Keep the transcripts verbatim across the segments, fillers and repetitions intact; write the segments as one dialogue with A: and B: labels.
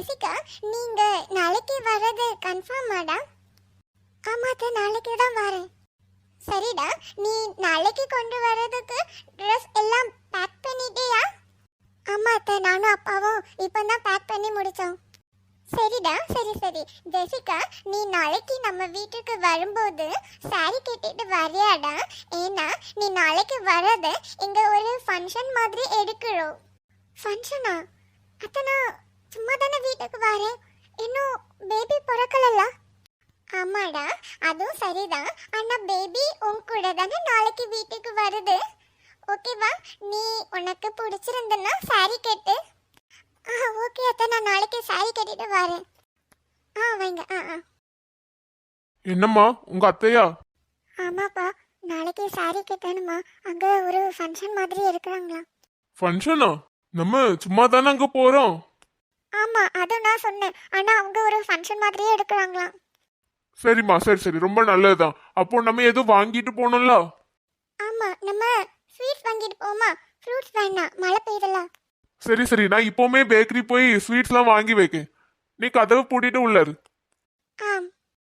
A: Jessica, நீங்க நாளைக்கு வர்றது கன்ஃபார்மாடா? ஆமா அத்தை, நாளைக்கு தான் வரேன். சரிடா, நீ நாளைக்கு கொண்டு வர்றதுக்கு ட்ரெஸ் எல்லாம் பேக் பண்ணிட்டியா? ஆமா அத்தை, நானும் அப்பாவும் இப்பதான் பேக் பண்ணி முடிச்சோம். சரிடா, சரி சரி. ஜெசிகா, நீ நாளைக்கு நம்ம வீட்டுக்கு வரும்போது சாரி கட்டிட்டு வரியாடா? ஏன்னா நீ நாளைக்கு வர்றது இங்க ஒரு ஃபங்க்ஷன் மாதிரி எடுக்கிறோம். ஃபங்க்ஷனா? அத்தை, நான் சும்மா தானே வீட்டுக்கு வரேன், இன்னும் பேபி பிறக்கலல்ல? ஆமாடா, அதுவும் சரிதான். ஆனா பேபி உன் கூட தானே நாளைக்கு வீட்டுக்கு வருது. ஓகேவா? நீ உனக்கு பிடிச்சிருந்தனா சாரி கட்டு. ஆ ஓகே அத்தை, நான் நாளைக்கு சாரி கட்டிட்டு வரேன். ஆ வைங்க. ஆ ஆ
B: என்னம்மா உங்க அத்தையா?
A: ஆமாப்பா, நாளைக்கு சாரி கட்டணுமா? அங்க ஒரு ஃபங்க்ஷன் மாதிரி இருக்கிறாங்களா?
B: ஃபங்க்ஷனா? நம்ம சும்மா தானே அங்க போறோம்.
A: ஆமா, அதுவும் நான் சொன்னேன். ஆனா அவங்க ஒரு ஃபங்க்ஷன் மாதிரியே எடுக்கிறாங்களாம்.
B: சரிம்மா, சரி சரி, ரொம்ப நல்லதுதான். அப்போ நம்ம எதுவும் வாங்கிட்டு போனோம்ல?
A: ஆமா, நம்ம ஸ்வீட்ஸ் வாங்கிட்டு போமா? ஃப்ரூட்ஸ் வேணாம், மழை பெய்யுதுல.
B: சரி சரி, நான் இப்போவுமே பேக்கரி போய் ஸ்வீட்ஸ்லாம் வாங்கி வைக்கேன். நீ கதவை பூட்டிட்டு உள்ளாரு.
A: ஆம்.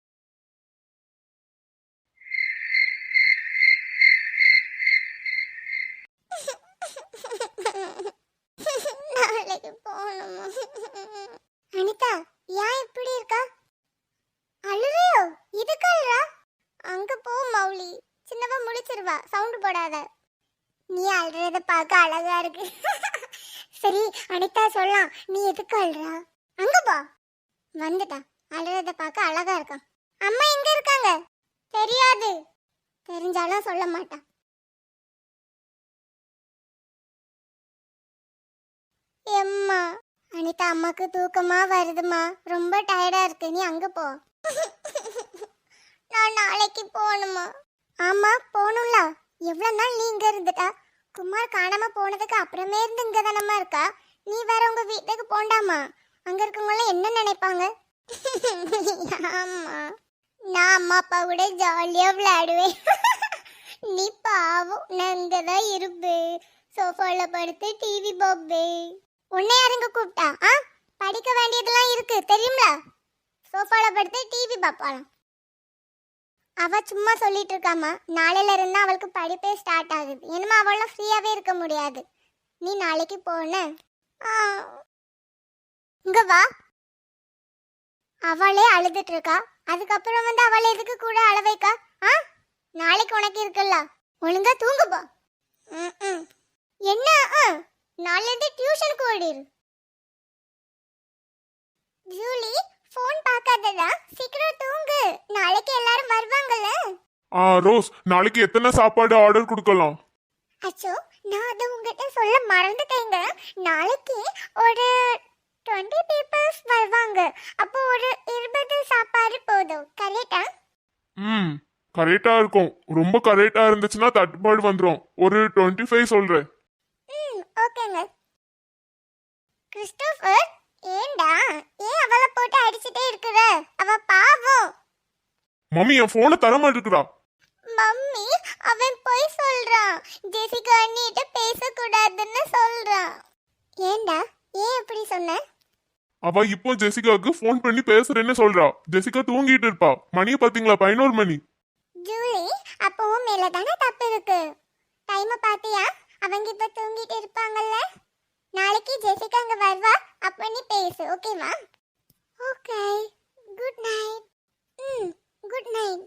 A: நாளைக்கு போகணுமா? அனிதா, ஏன் இப்படி இருக்கா? அழுறியோ? இதுக்கு அழுறா? அங்க போ மௌலி, சின்னவ முழிச்சிருவா, சவுண்ட் போடாத. நீ அழுறத பார்க்க அழகா இருக்கு. சரி அனிதா, சொல்லலாம், நீ எதுக்கு அழுறா? அங்க போ. வந்துட்டா, அழுறத பார்க்க அழகா இருக்கான். அம்மா எங்க இருக்காங்க? தெரியாது. தெரிஞ்சாலும் சொல்ல மாட்டான். எம்மா, அனிதா, அம்மாக்கு தூக்கமா வருதுமா, ரொம்ப டயர்டா இருக்கு, நீ அங்க போ. நான் நாளைக்கு போகணுமா? ஆமா போகணும்ல. எவ்வளவு நாள் நீ இங்க இருந்துட்டா? குமார் காணாம போனதுக்கு அப்புறமே இருந்து இங்க தானம்மா இருக்கா. நீ வேற உங்க வீட்டுக்கு போண்டாமா? அங்க இருக்கவங்க என்ன நினைப்பாங்க? ஆமா, நான் அம்மா அப்பா கூட ஜாலியா விளையாடுவேன். நீ பாவம், நான் இங்கதான் இருப்பேன், சோஃபால படுத்து டிவி பார்ப்பேன். உன்னை யாருங்க கூப்பிட்டா? ஆ, படிக்க வேண்டியதெல்லாம் இருக்கு தெரியும்ல. சோஃபால படுத்து டிவி பார்ப்பாளாம். அவ சும்மா சொல்லிட்டு இருக்காமா, நாளையில இருந்தா அவளுக்கு படிப்பே ஸ்டார்ட் ஆகுது. என்னமா அவளாம் ஃப்ரீயாவே இருக்க முடியாது. நீ நாளைக்கு போன இங்க வா. அவளே அழுதுட்டு இருக்கா, அதுக்கப்புறம் வந்து அவளை எதுக்கு கூட அழ வைக்கா? ஆ, நாளைக்கு உனக்கு இருக்குல்ல, ஒழுங்கா தூங்கு போ. ம் என்ன? நாளைல இருந்து டியூஷனுக்கு ஓடிரு. ஜூலி, ஃபோன் பார்க்காதடா, சீக்கிரம் தூங்கு, நாளைக்கு எல்லாரும் வருவாங்கல்ல.
B: ஆ ரோஸ், நாளைக்கு எத்தனை சாப்பாடு ஆர்டர் கொடுக்கலாம்?
A: அச்சோ, நான் அதை உங்ககிட்ட சொல்ல மறந்துட்டேங்க. நாளைக்கு ஒரு டுவெண்ட்டி பீப்புள்ஸ் வருவாங்க. அப்போ ஒரு இருபது சாப்பாடு போதும், கரெக்டா?
B: ம் கரெக்டா இருக்கும். ரொம்ப கரெக்டா இருந்துச்சுன்னா தட்டுப்பாடு வந்துடும். ஒரு டுவெண்ட்டி ஃபைவ் சொல்றேன்.
A: ம் ஓகேங்க. கிறிஸ்டோபர், ஏண்டா ஏன் அவளை போட்டு அடிச்சிட்டே இருக்கிற? அவ பாவம்.
B: மம்மி, என் போனை தர மாட்டேங்கிறா.
A: மம்மி, அவன் போய் சொல்றான், ஜெசிகா அண்ணிட்ட பேசக்கூடாதுன்னு சொல்றான். ஏண்டா, ஏன் இப்படி சொன்ன?
B: அவ இப்போ ஜெசிகாவுக்கு ஃபோன் பண்ணி பேசுறேன்னு சொல்றா. ஜெசிகா தூங்கிட்டு இருப்பா. மணியை பாத்தீங்களா? பதினோரு மணி.
A: ஜூலி, அப்பவும் மேல தானே தப்பு இருக்கு. டைம் பாத்தியா? அவங்க இப்ப தூங்கிட்டு இருப்பாங்கல்ல. நாளைக்கு ஜெசிகா அங்க வருவா, அப்ப நீ பேசு, ஓகேவா? Okay, good night. ம் குட் நைட்.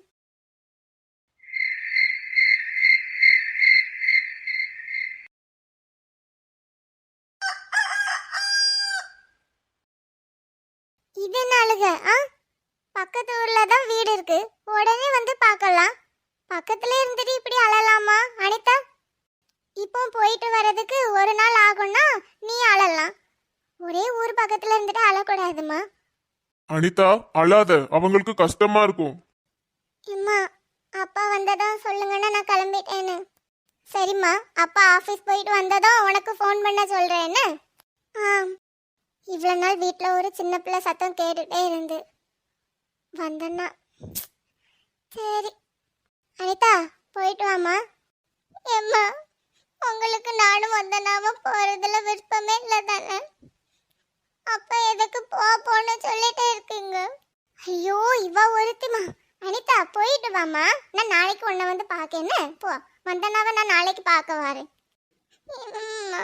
A: இது நாளுக ஆ, பக்கத்து ஊர்ல தான் வீடு இருக்கு, உடனே வந்து பார்க்கலாம். பக்கத்துல இருந்துட்டு இப்படி அழலாமா அனிதா? இப்போ போயிட்டு வர்றதுக்கு ஒரு நாள் ஆகும்னா நீ அழலாம். ஒரே ஊர் பக்கத்துல இருந்துட்டு அழக்கூடாதுமா.
B: அனிதா, அழாத, அவங்களுக்கு கஷ்டமா இருக்கும்.
A: அம்மா, அப்பா வந்ததும் சொல்லுங்கன்னா நான் கிளம்பிட்டேன்னு. சரிம்மா, அப்பா ஆஃபீஸ் போயிட்டு வந்ததும் உனக்கு ஃபோன் பண்ண சொல்றேன்னு. ஆ, இவ்வளோ நாள் வீட்டில் ஒரு சின்ன பிள்ளை சத்தம் கேட்டுட்டே இருந்து வந்தேன்னா. சரி அனிதா, போயிட்டு வாமா. ஏம்மா, உங்களுக்கு நானும் வந்தனாம போறதுல விருப்பமே இல்லை தானே? அப்ப எதுக்கு போ போன்னு சொல்லிட்டே இருக்கீங்க? ஐயோ இவ ஒருத்திமா. அனிதா போயிட்டு வாமா, நான் நாளைக்கு உன்னை வந்து பார்க்கேன்னு. போ, வந்தனாவ நான் நாளைக்கு பார்க்க வரேன். அம்மா.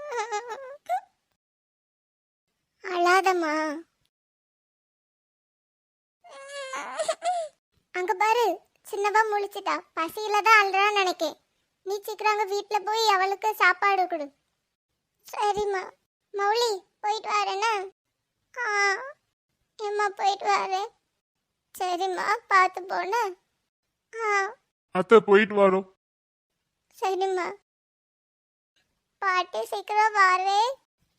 A: அழாதம்மா. அங்க பாரு, சின்னவா முழிச்சிட்டா. பசியில தான் அழுறான்னு நினைக்கேன். நீ சீக்கிரம் அங்க வீட்டுல போய் அவளுக்கு சாப்பாடு கொடு. சரிம்மா. மௌலி போயிட்டு வரேன்னா? ஆ ஏம்மா போயிட்டு வரேன். சரிம்மா பார்த்து போன. ஆ
B: அத்தை போயிட்டு வரோம்.
A: சரிம்மா. பாட்டி சீக்கிரம் வரேன்.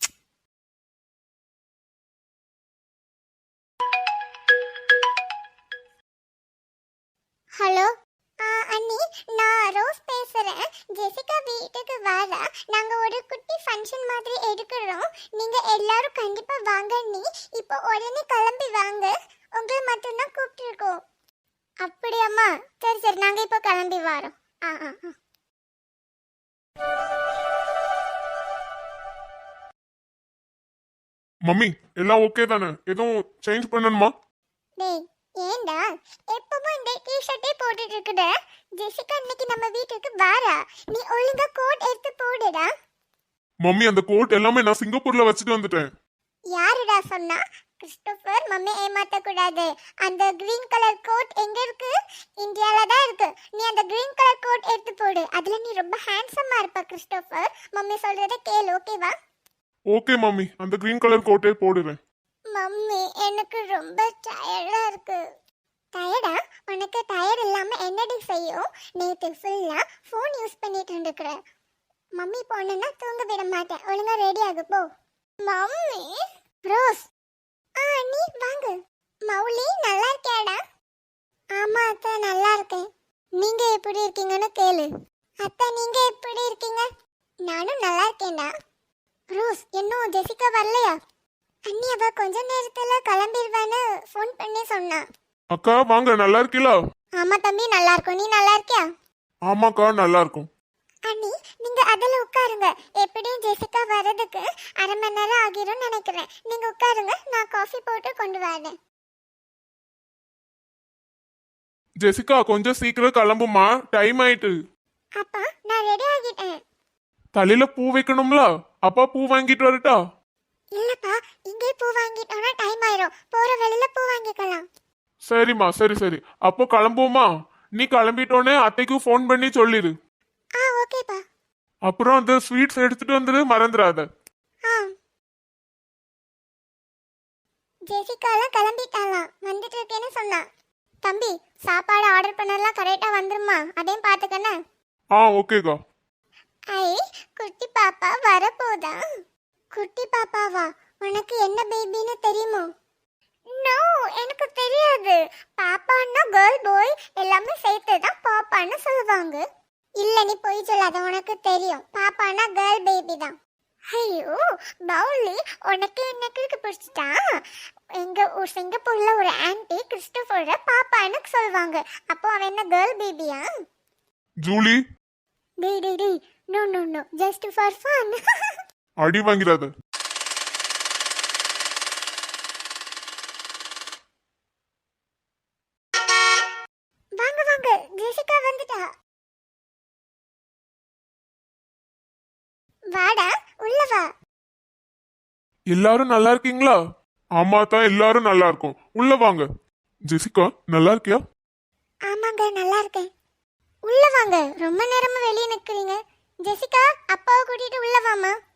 A: ஹலோ அண்ணி, நான் ரோஸ் பேசுறேன். ஜெசிகா வீட்டுக்கு வர நாங்க ஒரு குட்டி ஃபங்க்ஷன் மாதிரி எடுக்கிறோம். நீங்க எல்லாரும் கண்டிப்பா வாங்க அண்ணி. இப்போ உடனே கிளம்பி வாங்க. உங்களை மட்டும்தான் கூப்பிட்டுருக்கோம். அப்படியாம்மா? சரி சரி, நாங்க இப்போ கிளம்பி வரோம். ஆ ஆ ஆ.
B: மம்மி எல்லாம் ஓகே தானே? எதுவும் சேஞ்ச் பண்ணணுமா?
A: டேய் ஏண்டா எப்பவும் இந்த டி-ஷர்ட்டே போட்டுட்டு இருக்குட? ஜெசிகா இன்னைக்கு நம்ம வீட்டுக்கு வாரா. நீ ஒழுங்கா கோட் எடுத்து போடுடா.
B: மம்மி அந்த கோட் எல்லாமே நான் சிங்கப்பூர்ல வச்சுட்டு வந்துட்டேன்.
A: யாருடா சொன்னா? கிறிஸ்டோபர், மம்மி ஏமாத்த கூடாது. அந்த கிரீன் கலர் கோட் எங்க இருக்கு? இந்தியால தான் இருக்கு. நீ அந்த கிரீன் கலர் கோட் எடுத்து போடு. அதுல நீ ரொம்ப ஹேண்ட்ஸமா இருப்ப கிறிஸ்டோபர். மம்மி சொல்றத கேளு, ஓகேவா?
B: ஓகே மம்மி, அந்த கிரீன் கலர் கோட்டே போடுறேன்.
A: மம்மி எனக்கு ரொம்ப டயர்டா இருக்கு. டயர்டா? உனக்கு டயர்ட் இல்லாம என்னடி செய்யும்? நேத்து ஃபுல்லா ஃபோன் யூஸ் பண்ணிட்டு இருந்துக்கிற. மம்மி போனா தூங்க விட மாட்டேன். ஒழுங்கா ரெடி ஆகு போ. மம்மி. ரோஸ். ஆ நீ வாங்க. மௌலி நல்லா இருக்கியாடா? ஆமா அத்தை நல்லா இருக்கேன். நீங்க எப்படி இருக்கீங்கன்னு கேளு. அத்தை நீங்க எப்படி இருக்கீங்க? நானும் நல்லா இருக்கேன்டா. ரோஸ் இன்னும் ஜெசிகா வரலையா? அண்ணி அவ கொஞ்ச நேரத்துல கிளம்பிடுவான்னு ஃபோன் பண்ணி சொன்னா.
B: அக்கா வாங்க, நல்லா இருக்கீங்களா?
A: ஆமா தம்பி நல்லா இருக்கும். நீ நல்லா இருக்கியா?
B: ஆமாக்கா நல்லா இருக்கும்.
A: அண்ணி நீங்க அதுல உட்காருங்க. எப்படியும் ஜெசிகா வர்றதுக்கு அரை மணி நேரம் ஆகிரும் நினைக்கிறேன். நீங்க உட்காருங்க, நான் காஃபி போட்டு கொண்டு வரேன்.
B: ஜெசிகா கொஞ்சம் சீக்கிரம் கிளம்புமா, டைம் ஆயிட்டு.
A: அப்பா நான் ரெடி ஆகிட்டேன்.
B: தலையில பூ வைக்கணும்ல, அப்பா பூ வாங்கிட்டு வரட்டா?
A: இல்லப்பா, இங்கே பூ வாங்கிட்டோம்னா டைம் ஆயிரும். போற வழியில பூ வாங்கிக்கலாம்.
B: சரிம்மா, சரி சரி, அப்போ கிளம்புவோமா? நீ கிளம்பிட்டோன்னே அத்தைக்கு ஃபோன் பண்ணி சொல்லிடு.
A: ஆ ஓகேப்பா.
B: அப்புறம் அந்த ஸ்வீட்ஸ் எடுத்துட்டு வந்துடு, மறந்துடாத.
A: ஆ. ஜெசிகாலாம் கிளம்பிட்டாலாம், வந்துட்டு இருக்கேன்னு சொன்னா. தம்பி சாப்பாடு ஆர்டர் பண்ணலாம் கரெக்டா வந்துருமா? அதையும் பாத்துக்கண்ணே.
B: ஆ ஓகேக்கா.
A: ஐ குட்டி பாப்பா வரப்போதா? குட்டி பாப்பாவா? உனக்கு என்ன பேபின்னு தெரியுமோ? நோ எனக்கு தெரியாது. பாப்பான்னா கேர்ள் பாய் எல்லாமே சேர்த்து தான் பாப்பான்னு சொல்லுவாங்க. இல்ல நீ போய் சொல்லாத, உனக்கு தெரியும். பாப்பான்னா கேர்ள் பேபி தான். ஐயோ பவுலி, உனக்கு என்னக்கு பிடிச்சிட்டா? எங்க ஊர் சிங்கப்பூர்ல ஒரு ஆன்டி கிறிஸ்டோபரை பாப்பான்னு சொல்லுவாங்க. அப்போ அவன் என்ன கேர்ள் பேபியா?
B: ஜூலி.
A: டே டே டே no no no, just for fun.
B: அடி வாங்கிறாத.
A: வாங்க வாங்க, ஜெசிகா வந்துட்டா. வாடா உள்ள வா.
B: எல்லாரும் நல்லா இருக்கீங்களா? ஆமா தான், எல்லாரும் நல்லா இருக்கும். உள்ள வாங்க. ஜெசிகா நல்லா இருக்கியா?
A: ஆமாங்க நல்லா இருக்கேன். உள்ள வாங்க. ரொம்ப நேரமா வெளியே நிக்கிறீங்க. ஜெசிகா அப்பாவை கூட்டிட்டு உள்ள வாமா.